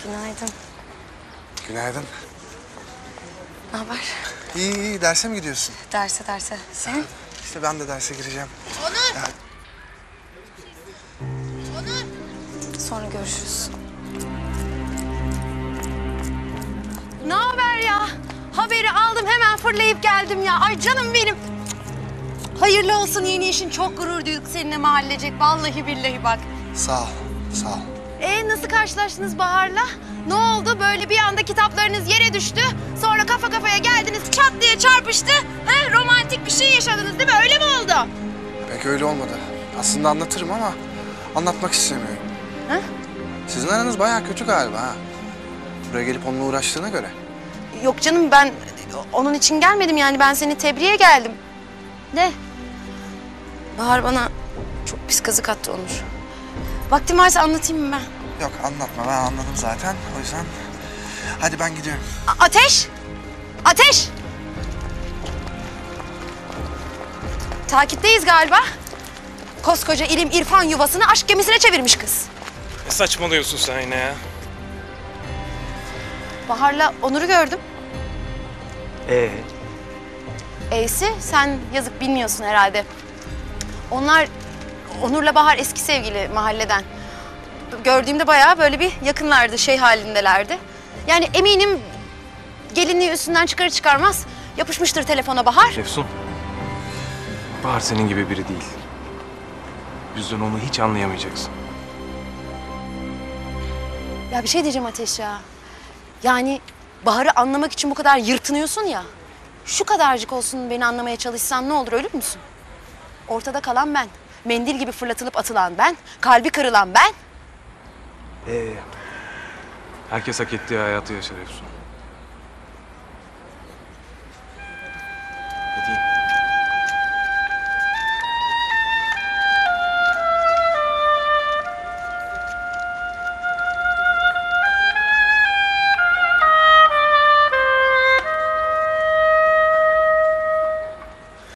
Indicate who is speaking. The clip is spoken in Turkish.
Speaker 1: Günaydın.
Speaker 2: Günaydın.
Speaker 1: Ne haber?
Speaker 2: İyi iyi, derse mi gidiyorsun?
Speaker 1: Derse. Sen?
Speaker 2: İşte ben de derse gireceğim.
Speaker 3: Onur!
Speaker 2: Ya,
Speaker 3: Onur!
Speaker 1: Sonra görüşürüz.
Speaker 3: Ne haber ya? Haberi aldım hemen fırlayıp geldim ya. Ay canım benim. Hayırlı olsun yeni işin. Çok gurur duyduk seninle mahallecek. Vallahi billahi bak.
Speaker 2: sağ ol, sağ ol.
Speaker 3: Nasıl karşılaştınız Bahar'la? Ne oldu? Böyle bir anda kitaplarınız yere düştü. Sonra kafa kafaya geldiniz, çat diye çarpıştı. He? Romantik bir şey yaşadınız değil mi? Öyle mi oldu?
Speaker 2: Pek öyle olmadı. Aslında anlatırım ama anlatmak istemiyorum.
Speaker 3: Ha?
Speaker 2: Sizin aranız bayağı kötü galiba ha. Buraya gelip onunla uğraştığına göre.
Speaker 3: Yok canım ben onun için gelmedim yani. Ben seni tebriğe geldim. Ne? Bahar bana çok pis kazık attı Onur. Vaktim varsa anlatayım mı ben?
Speaker 2: Yok anlatma, ben anladım zaten. O yüzden hadi ben gidiyorum.
Speaker 3: Ateş! Ateş! Takipteyiz galiba. Koskoca ilim irfan yuvasını aşk gemisine çevirmiş kız.
Speaker 4: Ne saçmalıyorsun sen yine ya?
Speaker 3: Bahar'la Onur'u gördüm. E'si sen yazık bilmiyorsun herhalde. Onlar Onur'la Bahar eski sevgili mahalleden. Gördüğümde bayağı böyle bir yakınlardı, şey halindelerdi. Yani eminim gelinliği üstünden çıkarır çıkarmaz yapışmıştır telefona Bahar.
Speaker 4: Efsun, Bahar senin gibi biri değil. O yüzden onu hiç anlayamayacaksın.
Speaker 3: Ya bir şey diyeceğim Ateş ya. Yani Bahar'ı anlamak için bu kadar yırtınıyorsun ya. Şu kadarcık olsun beni anlamaya çalışsan ne olur, ölür müsün? Ortada kalan ben. Mendil gibi fırlatılıp atılan ben. Kalbi kırılan ben.
Speaker 4: Herkes hak ettiği hayatı yaşar Efsun.